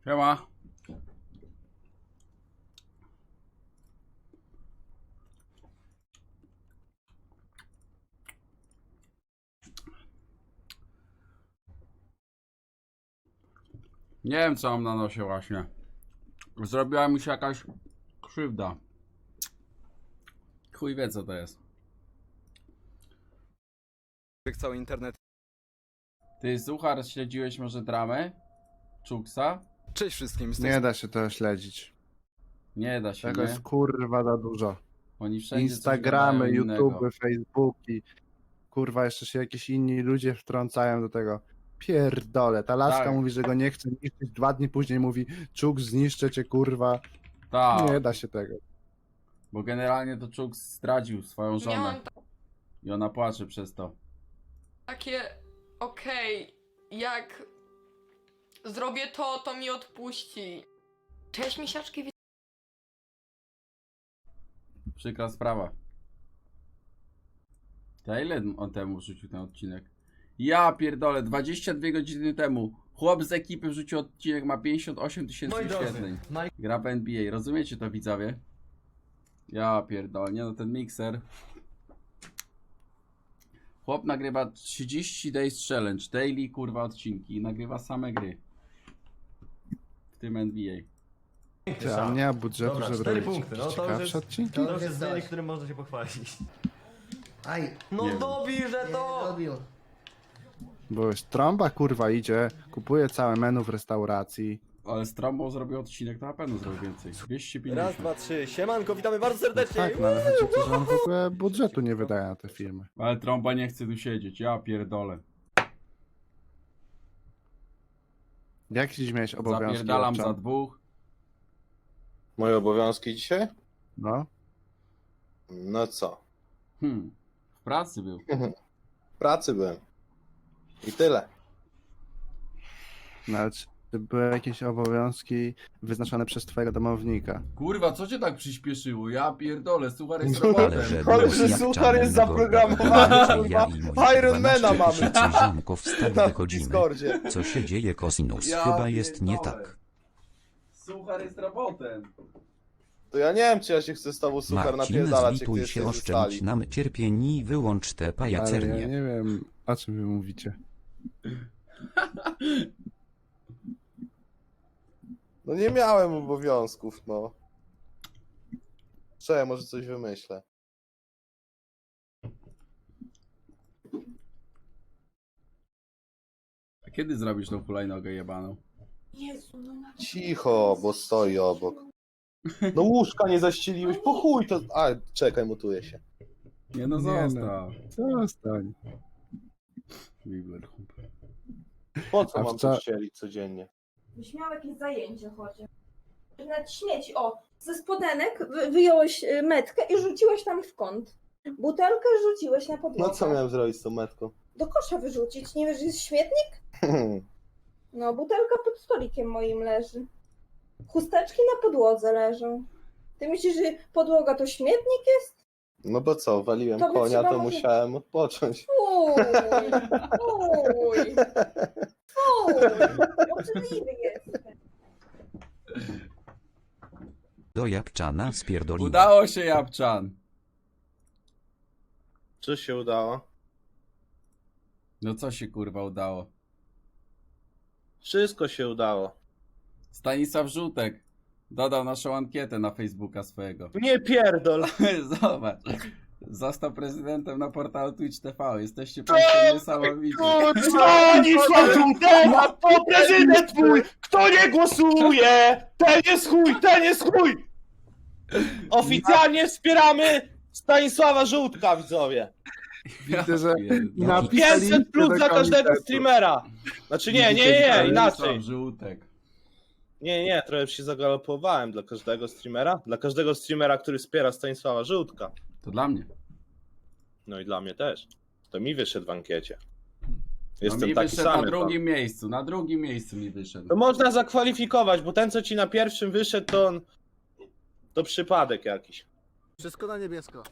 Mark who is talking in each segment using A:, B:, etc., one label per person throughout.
A: Siema. Nie wiem, co mam na nosie właśnie. Zrobiła mi się jakaś krzywda. Chuj wie, co to jest.
B: Cały internet.
A: Ty, Suchar, śledziłeś może dramę? Czuksa?
B: Cześć wszystkim.
C: Nie da się tego śledzić.
A: Nie da się,
C: Tego
A: nie?
C: jest kurwa za dużo.
A: Oni wszędzie coś
C: Instagramy,
A: gadają innego.
C: YouTube'y, Facebooki. Kurwa, jeszcze się jakieś inni ludzie wtrącają do tego. Pierdolę, ta laska
A: Tak.
C: mówi, że go nie chce niszczyć, 2 dni później mówi Czuk, zniszczę cię, kurwa.
A: Tak,
C: Nie da się tego.
A: bo generalnie to Czuks zdradził swoją żonę.
D: Miałam
A: I ona płacze przez to.
D: takie, okej, jak zrobię to, to mi odpuści. Cześć misiaczki,
A: Przykra sprawa. To ile on temu wrzucił ten odcinek? Ja pierdolę, 22 godziny temu. Chłop z ekipy wrzucił odcinek, ma 58 tysięcy wyświetleń. Gra w NBA, rozumiecie to, widzowie? Ja pierdolę, nie no, ten mikser. Chłop nagrywa 30 Days Challenge, daily kurwa odcinki i nagrywa same gry. W tym NBA.
C: Ty, a nie ma budżetu,
E: Dobra,
C: żeby
E: 4
C: robić
E: punkty,
C: jakieś
E: no to już
C: ciekawsze
E: jest,
C: odcinki?
E: to już jest zdanie, którym można się pochwalić.
F: Aj,
E: No
A: Nie wiem.
E: dobierze
F: nie
E: to!
F: robił.
C: Bo już trąba kurwa idzie, kupuje całe menu w restauracji.
A: Ale z Trambą zrobił odcinek, to na pewno zrobił więcej. 250.
E: Raz, dwa, trzy, siemanko, witamy bardzo serdecznie!
C: Tak, no ale chodzi o to, że on w ogóle budżetu nie wydaje na te filmy.
A: Ale Trąba nie chce tu siedzieć, ja pierdolę.
C: Jak dziś miałeś obowiązki?
A: Zapierdalam
C: Owczan?
A: za dwóch.
G: Moje obowiązki dzisiaj?
C: No,
G: No co?
A: W pracy był.
G: W pracy byłem. I tyle.
C: no ale czy były jakieś obowiązki wyznaczone przez twojego domownika?
A: Kurwa, co cię tak przyspieszyło? Ja pierdolę, Suchar jest
G: No,
A: robotem.
G: ale że Suchar jest zaprogramowany, kurwa. Ironmana mamy na Discordzie.
H: Co się dzieje, Kosinus?
A: Ja
H: Chyba jest nie
A: pierdolę.
H: tak.
A: Suchar jest robotem.
G: To ja nie wiem, czy ja się chcę z tobą Suchar
H: Marcin,
G: napierdalać, jak ty
H: zlituj
G: jesteś
H: się,
G: ze
H: oszczędź
G: stali.
H: nam cierpień i wyłącz te
C: Ale ja
H: pajacernie.
C: nie wiem, o czym wy mówicie.
G: No nie miałem obowiązków, no. Co, ja może coś wymyślę.
A: A kiedy zrobisz tą hulajnogę jebaną?
D: Jezu, no na...
G: Cicho, bo stoi obok. No łóżka nie zaścieliłeś, po chuj to... A, czekaj, mutuję się.
A: Nie no,
C: Nie
A: zostaw.
C: Zostań.
A: Bibler, chłop.
G: Po co
C: A
G: mam
C: wca-
G: to ścielić codziennie?
I: Byś miał jakieś zajęcie chociaż. Na śmieci, o, ze spodenek wyjąłeś metkę i rzuciłeś tam w kąt. Butelkę rzuciłeś na podłogę.
G: No co miałem zrobić z tą metką?
I: Do kosza wyrzucić. Nie wiesz, że jest śmietnik? No, butelka pod stolikiem moim leży. Chusteczki na podłodze leżą. Ty myślisz, że podłoga to śmietnik jest?
G: No bo co, waliłem
I: To by
G: konia,
I: trzeba
G: to
I: może-
G: musiałem odpocząć.
I: Fuj! Fuj! Fuj! Obrzydliwy jest.
H: Do Japczana spierdoliła.
A: Udało się, Japczan.
G: Co się udało?
A: No co się kurwa udało?
G: Wszystko się udało.
A: Stanisław Żółtek dodał naszą ankietę na Facebooka swojego.
G: Nie pierdol!
A: Zobacz. Został prezydentem na portalu Twitch TV. Jesteście państwo niesamowici.
G: Stanisław Żółtena, to prezydent twój! Kto nie głosuje, ten jest chuj, ten jest chuj! Oficjalnie wspieramy Stanisława Żółtka, widzowie.
C: Widzę, że
A: pierdolę.
C: napisaliście
G: 500 plus
C: do
G: dla każdego
C: komitetu.
G: streamera. Znaczy nie,
A: Stanisław
G: inaczej.
A: Żółtek.
G: Nie, trochę się zagalopowałem dla każdego streamera. Dla każdego streamera, który wspiera Stanisława Żółtka.
A: To dla mnie.
G: No i dla mnie też. To mi wyszedł w ankiecie.
A: No
G: Jestem
A: mi
G: taki
A: wyszedł na
G: sam.
A: drugim miejscu. Na drugim miejscu mi wyszedł.
G: To można zakwalifikować, bo ten, co ci na pierwszym wyszedł, to on... To przypadek jakiś.
F: Wszystko na niebiesko.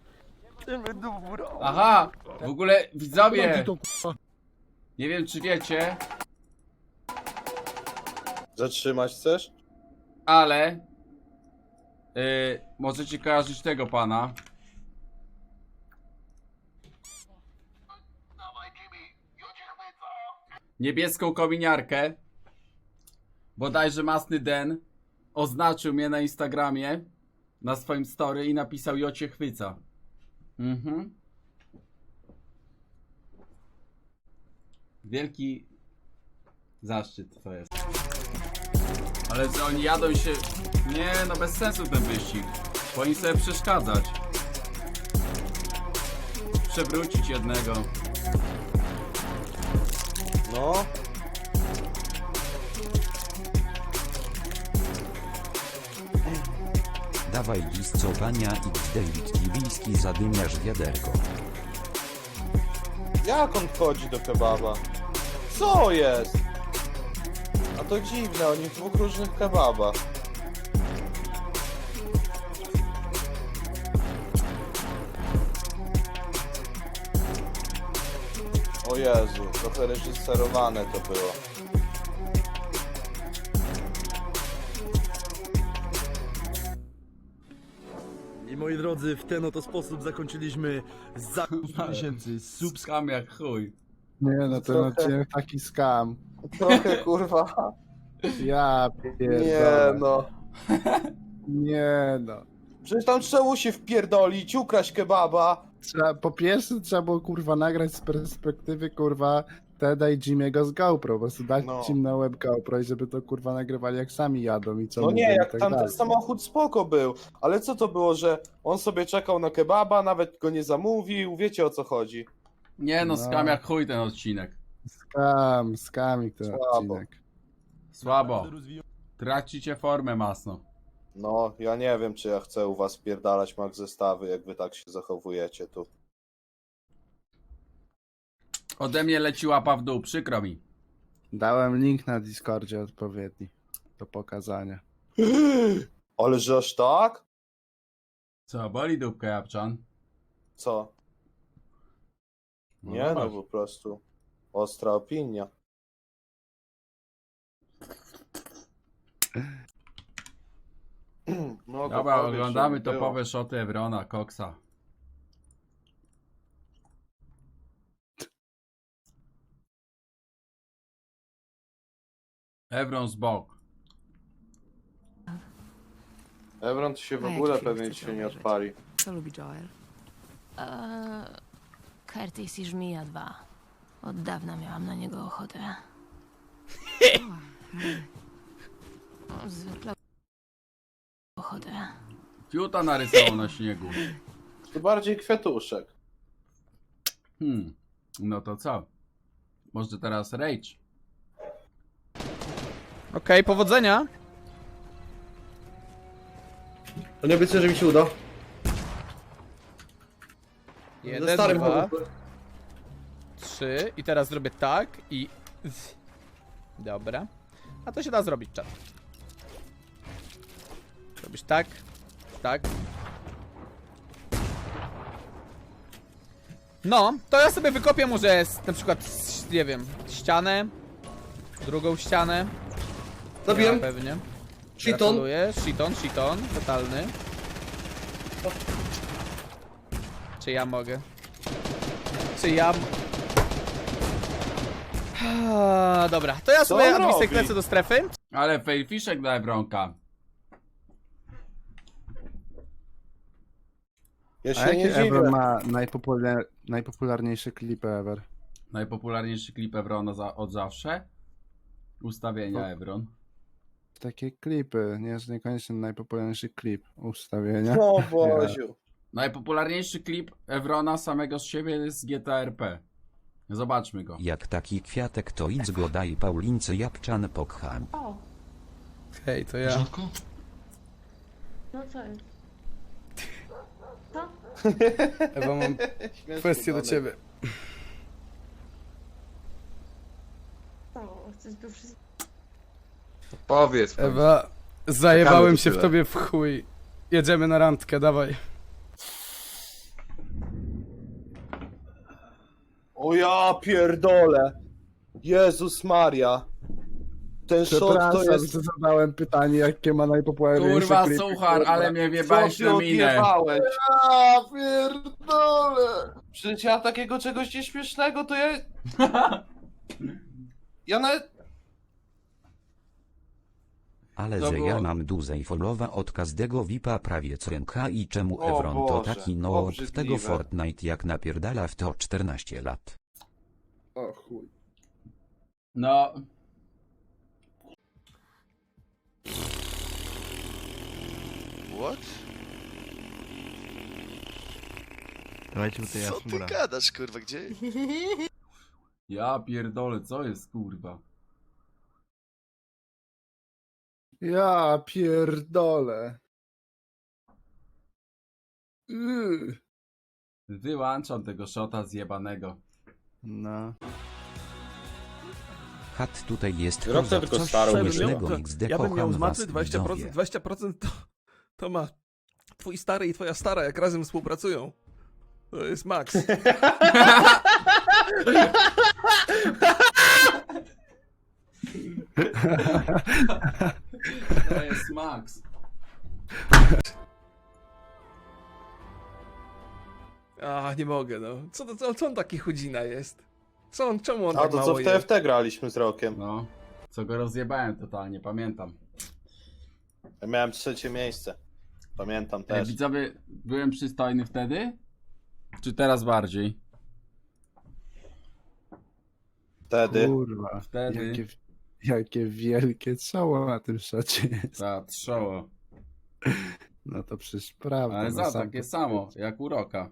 A: Aha! W ogóle widzowie! Nie wiem czy wiecie,
G: Zatrzymać chcesz?
A: Ale możecie kojarzyć tego pana. Niebieską kominiarkę. Bodajże Masny Den oznaczył mnie na Instagramie, na swoim story i napisał Jocie chwyca. Mhm. Wielki zaszczyt to jest. Ale że oni jadą się... Nie, no bez sensu ten wyścig. Powinni sobie przeszkadzać. Przewrócić jednego.
G: No.
H: Dawaj listowania i David Kiwiński zadymiasz wiaderko.
G: Jak on wchodzi do kebaba? Co jest? A to dziwne, oni w dwóch różnych kebabach. O Jezu, trochę reżyserowane to było.
F: I moi drodzy, w ten oto sposób zakończyliśmy za 1000 subs.
A: Skam jak chuj.
C: Nie no, ten
G: Trochę-
C: odcinek taki skam.
G: Trochę kurwa.
C: Ja
G: Nie
C: pierdolę.
G: no.
C: Nie no.
G: Przecież tam trzeba się wpierdolić, ukraść kebaba.
C: Po pierwsze trzeba było kurwa nagrać z perspektywy kurwa Teda i Jimmy'ego z GoPro, po prostu dać
G: No.
C: im na web GoPro i żeby to kurwa nagrywali jak sami jadą i co
G: No
C: mówią
G: nie,
C: i
G: jak
C: tak
G: tam ten
C: dalej.
G: samochód spoko był, ale co to było, że on sobie czekał na kebaba, nawet go nie zamówił, wiecie o co chodzi.
A: Nie no,
C: No.
A: skam jak chuj ten odcinek.
C: Skamik ten
G: Słabo.
C: odcinek.
A: Słabo. Tracicie formę masno.
G: No, ja nie wiem, czy ja chcę u was pierdalać mag zestawy, jak wy tak się zachowujecie tu.
A: Ode mnie leci łapa w dół, przykro mi.
C: Dałem link na Discordzie odpowiedni do pokazania.
G: Ale że aż tak?
A: Co, boli dupkę Japczan?
G: Co? Nie, no
A: zobacz.
G: po prostu ostra opinia. No,
A: Dobra,
G: powiedz,
A: oglądamy
G: żeby było.
A: topowe szoty Evrona, Coxa. Evron z bok.
G: Evron to się w
J: A
G: ogóle
J: jaki film
G: pewnie
J: chcecie
G: się nie
J: obejrzeć?
G: odpali.
J: Co lubi Joel? Curtis i Żmija 2. Od dawna miałam na niego ochotę. Zwykle ochotę.
A: Fiuta narysował na śniegu.
G: To bardziej kwiatuszek.
A: No to co? Może teraz Rage?
B: Okej, powodzenia.
E: To nie obiecuję, że mi się uda. Ze
B: 1,
E: starym
B: 2,
E: chłopakiem.
B: 3 i teraz zrobię tak i... Dobra. A to się da zrobić, czat. Robisz tak, tak. No, to ja sobie wykopię może na przykład, nie wiem, ścianę, drugą ścianę.
E: Zabiłem.
B: Ja pewnie.
E: Shiton.
B: Gratuluję. Shiton, totalny. Czy ja mogę? Czy ja... Dobra, to ja sobie
G: on
B: administrę
G: robi?
B: lecę do strefy.
A: Ale failfiszek dla Evronka.
G: Ja
C: A
G: się nie
C: jakie
G: dziwię.
C: Evron ma najpopularniejsze klipy ever?
A: Najpopularniejszy klip Evrona od zawsze. Ustawienia Evron.
C: Takie klipy, nie jest niekoniecznie najpopularniejszy klip ustawienia.
G: O Boziu.
A: Najpopularniejszy klip Evrona samego z siebie jest z GTA RP. Zobaczmy go.
H: Jak taki kwiatek to idź go daj Paulince Japczan pokcham.
B: Hej, to ja.
J: No co jest?
B: Ewa, mam kwestię do ciebie.
J: Chcesz tu wszystko...
K: Powiedz.
B: Ewa, zajebałem
K: się
B: się
K: w
B: w
K: tyle.
B: tobie w chuj. Jedziemy na randkę, dawaj.
G: O ja pierdolę. Jezus Maria. Ten shot to
C: Przepraszam,
G: jest...
C: że zadałem pytanie, jakie ma najpopularniejsze
A: Kurwa,
C: klipy,
A: suchar,
C: kurwa.
A: ale mnie wjebałeś
G: Co
A: na
G: ty
A: minę.
G: odjebałeś?
C: Ja pierdolę!
G: Przecież ja takiego czegoś nieśmiesznego to ja... Ja nawet...
H: Ale
A: To
H: że
A: było-
H: ja mam dużej followa od każdego VIPa prawie co ręka i czemu
G: O
H: Evron to
G: Boże,
H: taki no od
G: obrzydliwe.
H: tego Fortnite jak napierdala w to 14 lat.
C: O chuj.
A: No,
F: What? Dawajcie tutaj
E: Co ty gadasz, kurwa, gdzie?
A: ja pierdolę, co jest kurwa?
C: Ja pierdolę.
A: Wyłączam tego shota zjebanego.
C: No.
H: Chat tutaj jest
G: Rok to
H: poza
G: tylko
H: coś
G: starą
H: śmiesznego
F: to-
H: XD
F: Ja bym miał
H: kocham
F: z macy
H: was
F: 20%,
H: widzowie.
F: 20% to ma twój stary i twoja stara, jak razem współpracują. To jest maks.
A: To jest Max.
F: A, nie mogę, no. Co on taki chudzina jest? Czemu on
G: A
F: tak
G: to co
F: mało
G: w
F: je?
G: TFT graliśmy z Rokiem.
A: No, co go rozjebałem totalnie, pamiętam.
G: Ja miałem 3. miejsce. Pamiętam
A: Ej,
G: też.
A: widzowie, byłem przystojny wtedy? Czy teraz bardziej?
G: Wtedy.
C: Kurwa.
A: Wtedy.
C: Jakie wielkie czoło na tym szocie jest.
A: Ta trzoło.
C: No to przecież prawda.
A: Ale
C: no
A: za
C: sam
A: takie
C: to
A: samo,
C: powiedzieć.
A: jak u Roka.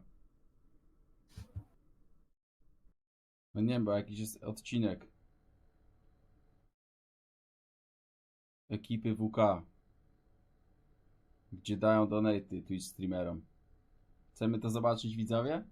A: No nie wiem, bo jakiś jest odcinek. Ekipy WK. Gdzie dają donaty Twitch streamerom. Chcemy to zobaczyć, widzowie?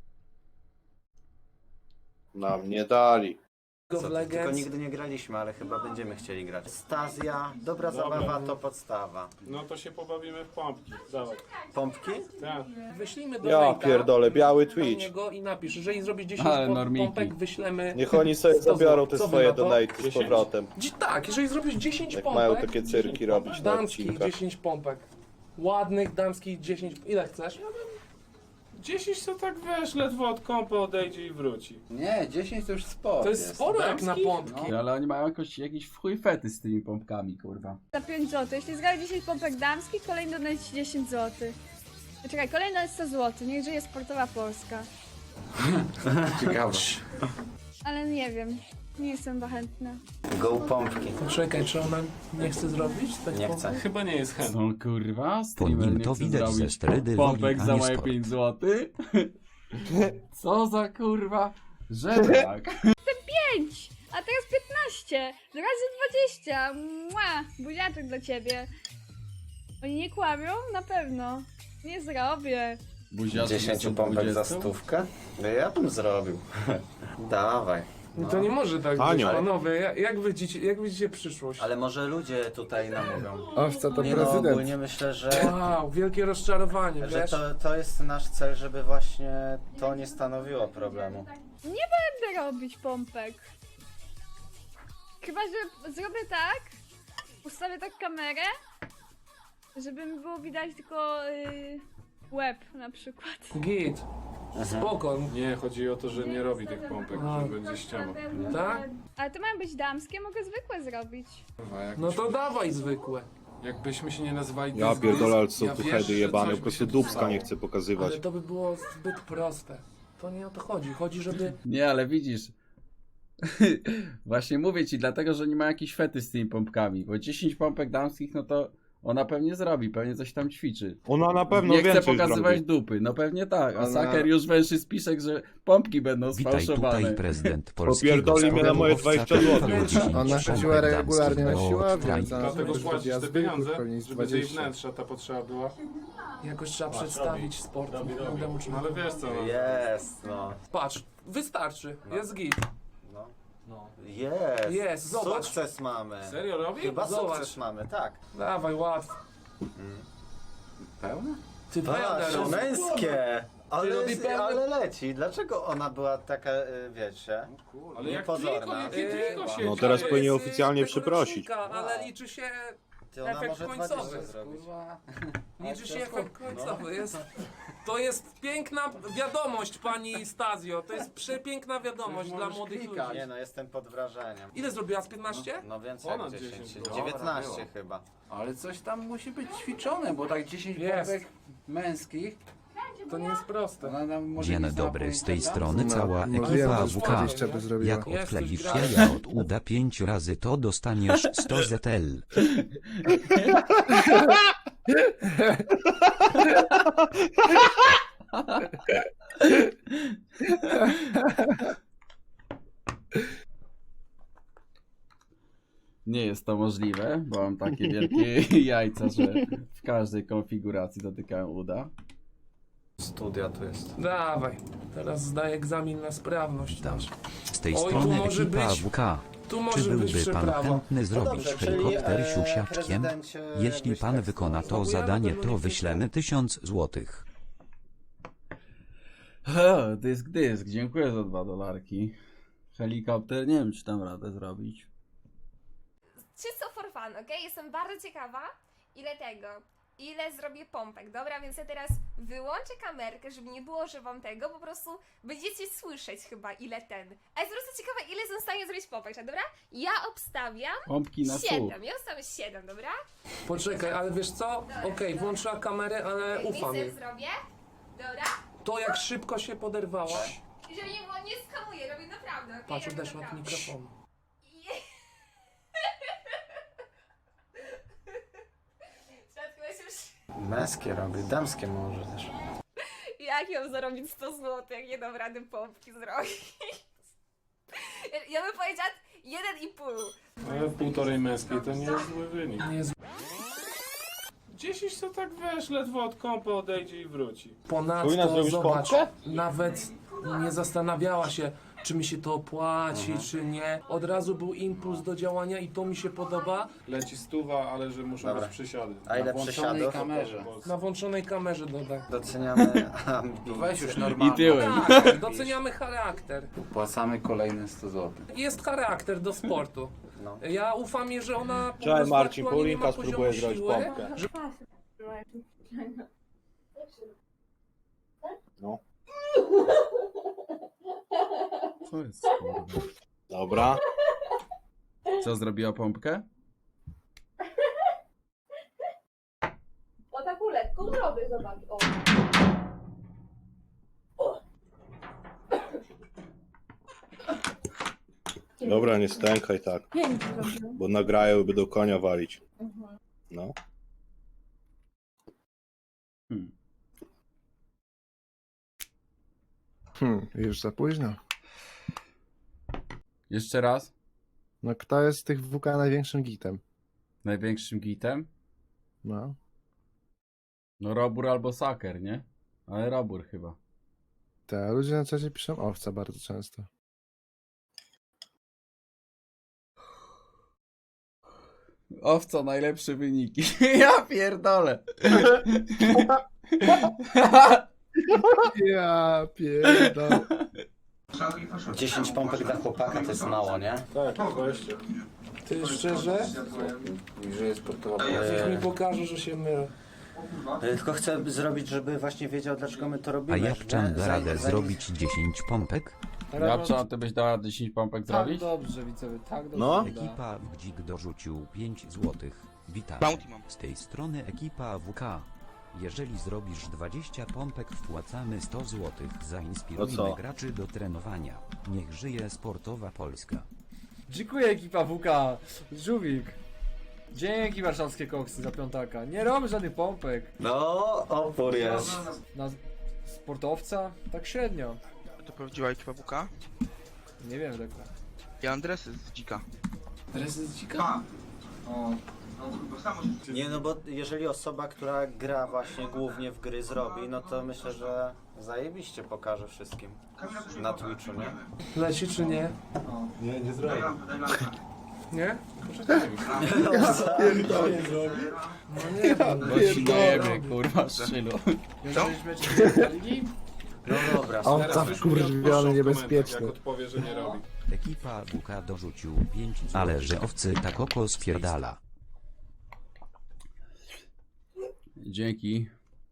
G: Nam nie dali.
L: Tylko nigdy nie graliśmy, ale chyba będziemy chcieli grać. Stazja, dobra zabawa to podstawa.
G: No to się pobawimy w pompki. Dawaj.
L: Pompki?
G: Tak.
F: Wyślijmy do
G: Ja pierdolę, biały Twitch.
F: niego i napisz, jeżeli zrobisz 10
A: Ale normiki.
F: wyślemy...
G: Niech oni sobie
F: 100
G: zabiorą te
F: Co wy
G: swoje
F: na to?
G: donaty z powrotem.
F: Tak, jeżeli zrobisz 10
G: Jak
F: pompek...
G: mają takie cyrki robić na
F: damskich
G: odcinkach.
F: 10 pompek. Ładnych, damskich 10... Ile chcesz?
G: 10 to tak wiesz, ledwo od kompa odejdzie i wróci.
L: Nie, 10 to już sporo.
F: To jest sporo jak na pompki.
A: Ale oni mają jakiś w chuj fety z tymi pompkami, kurwa.
I: Za 5 zł. Jeśli zgra 10 pompek damskich, kolejny donate 10 zł. Czekaj, kolejny donate 100 zł. Niech żyje sportowa Polska.
L: Ciekawe.
I: Ale nie wiem. Nie jestem chyba chętna.
L: Go pompki.
F: Czekaj, czy ona nie chce zrobić? Tak
L: Nie chcę.
G: Chyba nie jest chętny.
A: Są kurwa,
H: Po
A: streamer
H: nim
A: nie
H: to
A: chce
H: widać ze
A: zrobić
H: sterydy
A: pompek
H: woli,
A: za
H: a nie
A: moje
H: sport.
A: 5 zł. Co za kurwa żebrak.
I: 5! A teraz 15! Razy 20! Mua! Buziaczek dla ciebie. Oni nie kłamią? Na pewno. Nie zrobię.
A: Buziaczek
L: 10
A: jest
L: pompek za
A: 20.
L: 100? No ja bym zrobił. Dawaj.
F: No to nie może tak być,
G: Anioł.
F: panowie. Jak widzicie przyszłość?
L: Ale może ludzie tutaj namówią.
C: Owca to
L: Nie no,
C: prezydent.
L: ogólnie myślę, że...
F: Wow, wielkie rozczarowanie,
L: Że
F: wiesz?
L: to jest nasz cel, żeby właśnie to nie stanowiło problemu.
I: Będę robić pompek. Chyba, że zrobię tak. Ustawię tak kamerę. Żeby mi było widać tylko łeb na przykład.
F: Git. Spoko.
G: Nie, chodzi o to, że nie robi tych pompek,
F: A.
G: że będzie ściema.
F: Tak?
I: Ale to mają być damskie, mogę zwykłe zrobić.
F: No to dawaj zwykłe.
G: Jakbyśmy się nie nazywali
E: Ja pierdolę, ale są
G: ja
E: tu
G: wiesz,
E: hedy
G: że
E: jebane,
G: coś
E: po
G: by
E: prostu
G: się
E: dupska
G: stało.
E: nie chcę pokazywać.
F: Ale to by było zbyt proste. To nie o to chodzi. Chodzi, żeby...
A: Nie, ale widzisz. Właśnie mówię ci, dlatego, że nie ma jakiś fety z tymi pompkami. Bo 10 pompek damskich, no to ona pewnie zrobi, pewnie coś tam ćwiczy.
E: Ona na pewno
A: Nie chce
E: więcej
A: pokazywać
E: zrobi.
A: dupy, no pewnie tak. A
C: Ona-
A: Saker już węszy spiszek, że pompki będą
H: Witaj
A: sfałszowane.
H: tutaj prezydent polskiego.
E: Popierdoli mnie na moje 20 zł.
C: Ona chodziła regularnie na siłownię,
H: siłownię.
G: Dlatego płacisz te pieniądze, żeby tej
C: 20.
G: wnętrza ta potrzeba była.
F: Jakoś trzeba przedstawić sport.
G: No ale wiesz co, no.
L: Jest, no.
F: Patrz, wystarczy. Jest git.
L: Jest.
F: Jest, zobacz.
L: Sukces mamy.
G: Serio robi?
L: Chyba
F: Zobacz.
L: sukces mamy, tak.
F: Dawaj, łatwo.
L: Pełne?
F: Ty
L: Patrz, męskie. Ale leci. Dlaczego ona była taka, wiecie,
G: Ale jak
L: niepozorna?
G: tylko się
E: No teraz powinien oficjalnie przeprosić.
F: Ale liczy się
L: Ty, ona
F: efekt
L: może
F: końcowy.
L: 20 zrobić.
F: Liczy się efekt końcowy. To jest piękna wiadomość, pani Stazio. To jest przepiękna wiadomość dla młodych ludzi.
L: Nie no, jestem pod wrażeniem.
F: Ile zrobiła z 15?
L: No więcej jak
G: Ponad
L: 10.
G: 10.
L: 19 chyba.
A: Ale coś tam musi być ćwiczone, bo tak 10
F: Jest.
A: pompek męskich.
F: To nie jest proste.
A: Ona nam może
H: Dzień
A: nie
H: dobry, z tej
A: zapomnieć,
H: strony cała
C: No
H: ekipa
C: wiem,
H: AWK.
C: 20 by zrobiła.
H: Jak
F: Jest
H: odkleisz
F: coś grane.
H: jaja od uda 5 razy, to dostaniesz 100 ZL.
A: Nie jest to możliwe, bo mam takie wielkie jajca, że w każdej konfiguracji dotykałem uda.
L: Studia tu jest.
F: Dawaj, teraz zdaję egzamin na sprawność. Dasz.
H: Z tej
F: Oj, tu
H: strony
F: może
H: ekipa
F: być-
H: AWK.
F: Tu
H: Czy
F: może być
H: byłby pan
F: przeprawa.
H: chętny zrobić
L: dobrze, czyli,
H: helikopter siusiaczkiem?
L: prezydencie,
H: Jeśli
L: jakbyś
H: pan
L: tak
H: wykona to
F: spróbujemy
H: zadanie,
F: tego
H: to
F: nie
H: wyślemy 1000 złotych.
A: Dysk, dziękuję za $2. Helikopter, nie wiem czy tam radę zrobić.
I: Czysto for fun, okej? Jestem bardzo ciekawa, ile zrobię pompek, dobra? Więc ja teraz wyłączę kamerkę, żeby nie było, że wam tego, po prostu będziecie słyszeć chyba ile ten. A jestem po prostu ciekawa, ile jestem w stanie zrobić pompek, dobra? Ja obstawiam
A: Pompki na słuch.
I: 7, ja obstawiam 7, dobra?
F: Poczekaj, ale wiesz co? Okej, włączyła kamerę, ale ufam jej.
I: Nic zrobię, dobra?
F: To jak szybko się poderwałaś.
I: I żeby nie było, nie skamuję, robię naprawdę, okej?
F: Patrz,
I: Robię
F: odeszła od
I: naprawdę.
F: mikrofonu.
I: Świadku, ja się już...
L: Męskie robi, damskie może też.
I: Jak ją zarobić 100 zł, jak nie dam rady pompki zrobić? Ja bym powiedziała 1,5.
G: Ale półtorej męskiej to nie jest zły wynik.
F: Nie jest
G: 10 to tak wiesz, ledwo od kąpa odejdzie i wróci. Powinna
F: Ponadto,
G: zrobić
F: zobacz,
G: pompkę?
F: nawet nie zastanawiała się, czy mi się to opłaci, czy nie. Od razu był impuls do działania i to mi się podoba.
G: Leci 100, ale że muszą
L: Dobra.
G: być przysiady.
L: A ile
A: włączonej
L: przysiadów?
A: kamerze.
F: Na włączonej kamerze dodaj.
L: Doceniamy ambicje.
A: Weź już normalnie.
C: I tyłem.
F: Tak, doceniamy charakter.
A: Płacamy kolejne 100 zł.
F: Jest charakter do sportu.
L: No.
F: Ja ufam jej, że ona po
E: Cześć,
F: prostu
E: Marcin,
F: aktualnie nie ma
E: Paulinka spróbuje
F: poziomu
E: zrobić
F: siły,
E: pompkę.
F: że
E: No.
A: Co jest kurwa?
E: Dobra.
A: Co, zrobiła pompkę?
I: O taką lekką zrobię, zobacz. O.
E: Dobra, nie stękaj tak,
I: Pięknie zrobię.
E: bo nagrają i będą konia walić. No.
C: Już za późno.
A: Jeszcze raz.
C: No kto jest z tych WK największym gitem?
A: Największym gitem?
C: No.
A: No Robur albo Saker, nie? Ale Robur chyba.
C: Te ludzie na czacie piszą owca bardzo często.
A: Owca, najlepsze wyniki. Ja pierdolę.
C: Ja pierdolę.
L: 10 pompek dla chłopaka to jest mało, nie?
G: Tak, 20.
F: ty szczerze,
A: Że jest sportowa.
F: niech mi pokaże, że się mylę.
L: Tylko chcę zrobić, żeby właśnie wiedział, dlaczego my to
H: A
L: robimy.
H: Japczan da radę
L: Zanim-
H: zrobić 10 pompek?
A: Japczan, ty byś dała 10 pompek zrobić?
F: dobrze, widzowie, tak dobrze.
E: No.
H: Ekipa Wdzik dorzucił 5 złotych. Witam. Z tej strony ekipa AWK. Jeżeli zrobisz 20 pompek, wpłacamy 100 złotych.
E: No
H: Zainspirujmy
E: co?
H: graczy do trenowania. Niech żyje sportowa Polska.
M: Dziękuję ekipa WK, Żółwik. Dzięki warszawskie koksy za piątaka. Nie robię żadnych pompek.
L: No, opór jest.
M: Na sportowca? Tak średnio.
N: To prawdziwa ekipa WK?
M: Nie wiem tego.
N: Ja Andresy z Dzika.
A: Adresy z dzika?
L: Nie, no bo jeżeli osoba, która gra właśnie głównie w gry zrobi, no to myślę, że zajebiście pokaże wszystkim. Na Twitchu, nie?
F: Leci czy nie?
E: Nie, nie zrobię.
F: Nie?
A: Bo ci dojebie, kurwa, szczylu.
M: Jeżeli mecz ligi?
L: No dobra,
C: Owca wkurwiony, niebezpieczny.
E: odpowie, że nie robi.
H: Ekipa WK dorzucił 5 zł. Ale że owcy tak oko stwierdala.
A: Dzięki.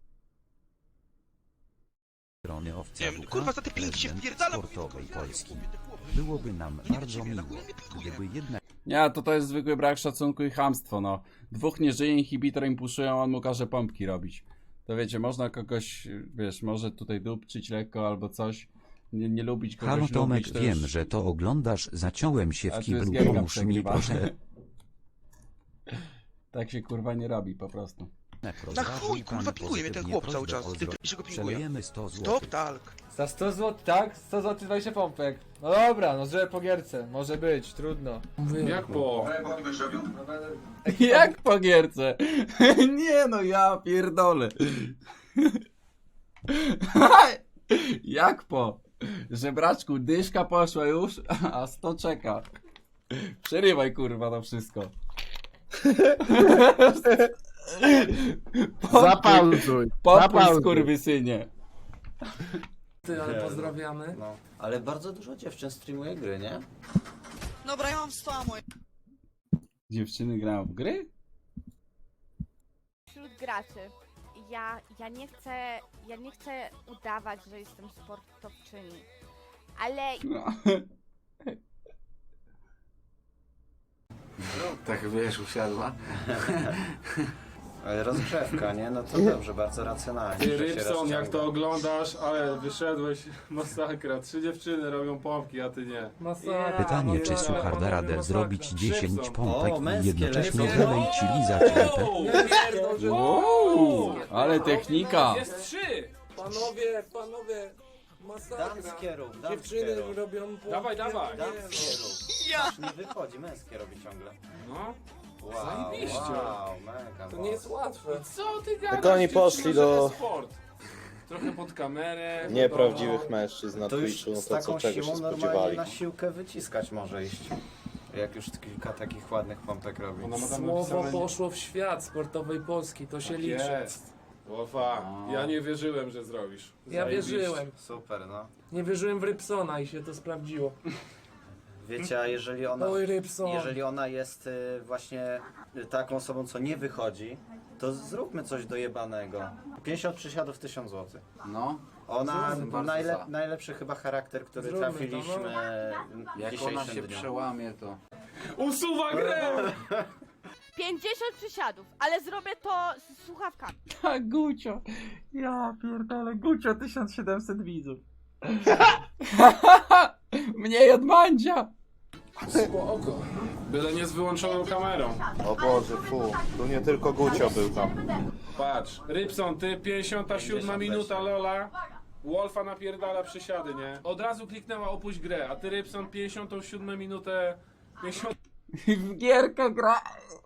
H: Strony owca
N: Nie wiem,
H: WK,
N: kurwa, za te pięki się
H: prezydent
N: wpierdala,
H: sportowej Polski. Byłoby nam bardzo miło, gdyby jednak
A: Nie, to jest zwykły brak szacunku i chamstwo, no. Dwóch nie żyje, inhibitor im puszują, on mu każe pompki robić. To wiecie, można kogoś, wiesz, może tutaj dupczyć lekko albo coś. Nie lubić kogoś,
H: Halo Tomek,
A: lubić, to
H: wiem,
A: już...
H: że to oglądasz, zaciąłem się
A: A
H: w
A: tu jest
H: kiblu,
A: gierka
H: pomóż mi
A: przegrywa.
H: proszę.
A: Tak się kurwa nie robi po prostu.
N: Na chuj, kurwa, pinguje mnie ten chłop cały czas. Ty, że go pinguje.
H: Przelejemy 100 zł.
N: Stop, talk.
M: Za 100 zł, tak? 100 zł 20 pompek. No dobra, no żeby po gierce. Może być, trudno.
E: Jak po?
A: Jak po gierce? Nie no, ja pierdolę. Jak po? Żebraczku, dyszka poszła już, a 100 czeka. Przerywaj kurwa to wszystko.
C: Zapauzuj.
A: Pokój
C: Zapauzuj.
A: skurwysynie.
F: Ty, ale pozdrawiamy.
L: No, ale bardzo dużo dziewczyn streamuje gry, nie?
D: Dobra, ja mam 100 moje.
A: Dziewczyny grają w gry?
D: Wśród graczy. Ja nie chcę udawać, że jestem sportowczyni. Ale
A: No.
K: Tak wiesz, usiadła.
L: Ale rozgrzewka, nie? No to dobrze, bardzo racjonalnie.
E: Ty,
L: że się
E: Rybson, jak
L: rozciąga.
E: to oglądasz, ale wyszedłeś, masakra. 3 dziewczyny robią pompki, a ty nie.
F: Masakra.
H: Pytanie, czy
F: masakra,
H: Suchar da
F: panowie,
H: radę
F: masakra.
H: zrobić 10
E: Szybson.
H: pompek
L: O,
H: i
L: męskie
H: jednocześnie
L: lecą.
H: wylej ci lizać rękę?
F: Nie pierdol, że...
A: Wow, ale technika.
F: Jest 3! Panowie, masakra.
L: Damskie rób,
F: Dziewczyny
L: damskie rób.
F: robią pompki.
E: Dawaj, dawaj.
L: Damskie rób. Aż nie wychodzi, męskie robi ciągle.
E: No.
L: Wow,
F: Zajebiście.
L: wow, mega.
F: To nie jest łatwe.
E: Co ty gadasz?
G: Tylko oni
E: Dziewczyno,
G: poszli
E: że
G: do-
E: to sport. Trochę pod kamerę.
G: Nieprawdziwych mężczyzn na
L: To już
G: Twitchu, no
L: z
G: to
L: taką
G: co czego się
L: siłą normalnie
G: spodziewali.
L: na siłkę wyciskać może iść. Jak już kilka takich ładnych pompek robi.
E: Ona ma tam
F: Słowo
E: napisane-
F: poszło w świat sportowej Polski, to się
E: Tak
F: liczy.
E: jest. Łofa, ja nie wierzyłem, że zrobisz.
F: Ja
E: Zajebiście.
F: wierzyłem.
L: Super, no.
F: Nie wierzyłem w Rybsona i się to sprawdziło.
L: Wiecie, a jeżeli ona,
F: Oj, Rybson.
L: jeżeli ona jest właśnie taką osobą, co nie wychodzi, to zróbmy coś dojebanego. 50 przysiadów 1000 zł.
A: No.
L: Ona
A: Bardzo za.
L: najlepszy chyba charakter, który
F: Zróbmy to,
L: trafiliśmy dzisiejszym dniu.
A: przełamie, to...
E: Usuwa grę!
D: 50 przysiadów, ale zrobię to z słuchawkami.
A: Tak, Gucio. Ja pierdolę, Gucio 1700 widzów. Mniej od Mandzia.
E: Spoko. Byle nie z wyłączoną kamerą.
C: O Boże, fu. Tu nie tylko Gucio był tam.
E: Patrz, Rybson, ty 57 minuta, Lola. Wolfa napierdala przysiady, nie? Od razu kliknęła opuść grę, a ty Rybson 57 minutę... 50...
A: W gierkę gra.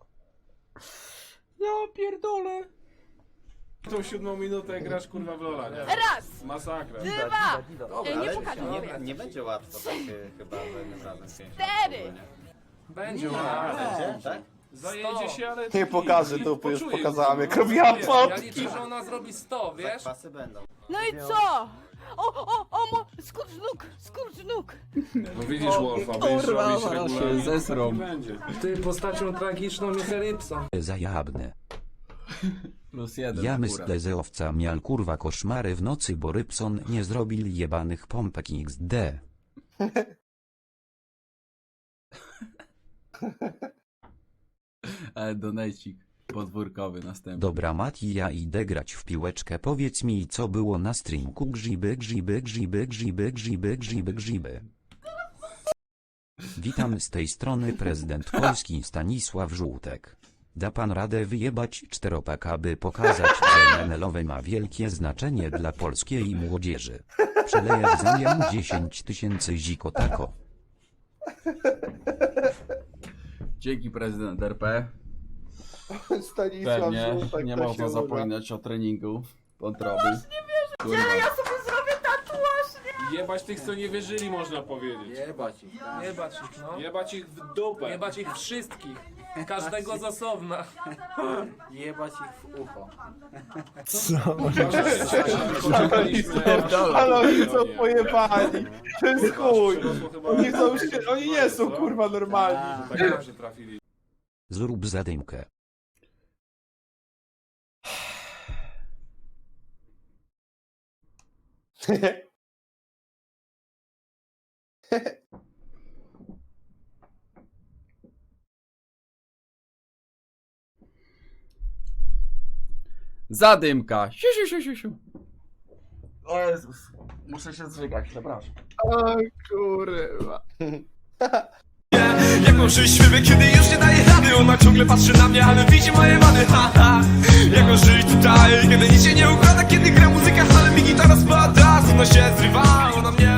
A: Ja pierdolę.
E: Tą 7 minutę grasz kurwa w Lola, nie?
D: Raz,
E: Masakra.
D: dwa,
L: Dobra,
D: nie
L: ale
D: pokażę,
L: nie,
D: mówię.
L: nie będzie łatwo tak chyba za jednym razem.
D: 4.
F: Będzie
L: Nie,
F: ładnie.
L: będzie, tak?
E: Zajedzie się, ale...
C: Nie pokażę dupy, już
E: Poczuję,
C: pokazałem
E: no.
C: jak robiłam
E: Wiesz,
F: Ja
C: pompki.
F: liczę, że ona zrobi 100, wiesz?
L: Zakwasy będą.
D: No i co? Skurcz nóg.
E: No widzisz Wolfa, będziesz
A: kurwa,
E: robić
A: zaraz się
E: regularnie,
A: zesrą.
E: tak będzie.
F: Ty postacią tragiczną jest Rybson.
H: Zajabne.
A: +1
H: Ja
A: akurat.
H: myślę, że owca miał kurwa koszmary w nocy, bo Rybson nie zrobił jebanych pompek XD.
A: Ale donajcik podwórkowy następny.
H: Dobra Mati, ja idę grać w piłeczkę, powiedz mi co było na streamku. Grzyby. Witam z tej strony prezydent Polski Stanisław Żółtek. Da pan radę wyjebać 4-pak, aby pokazać, że MNL-owe ma wielkie znaczenie dla polskiej młodzieży. Przeleję w zamian 10 000 zikotako.
A: Dzięki prezydent RP.
C: Stanisław
A: Pewnie
C: Żółtek,
A: nie
C: to
A: można
C: się uda.
A: zapominać o treningu wątroby.
D: Ja sobie zrobię tatuaż, nie?
E: Jebać tych, co nie wierzyli, można powiedzieć.
M: Jebać ich.
F: Jebać ich, no.
E: Jebać ich w dupę.
F: Jebać ich wszystkich. Każdego z osobna.
L: Jebać ich w ucho.
G: Ale oni są pojebani. To jest chuj. Oni nie są kurwa normalni.
E: Tak dobrze trafili.
H: Zrób zadymkę.
A: Zadymka. Siu, siu, siu, siu, siu. O Jezus. Muszę się zżygać, przepraszam.
C: O kurwa.
O: Jak mam żyć śpiewy, kiedy już nie daje rady? Ona ciągle patrzy na mnie, ale widzi moje wady, haha. Jak mam żyć tutaj, kiedy nic się nie układa? Kiedy gra muzyka, ale mi gitara spada. Ona się zrywa, ona mnie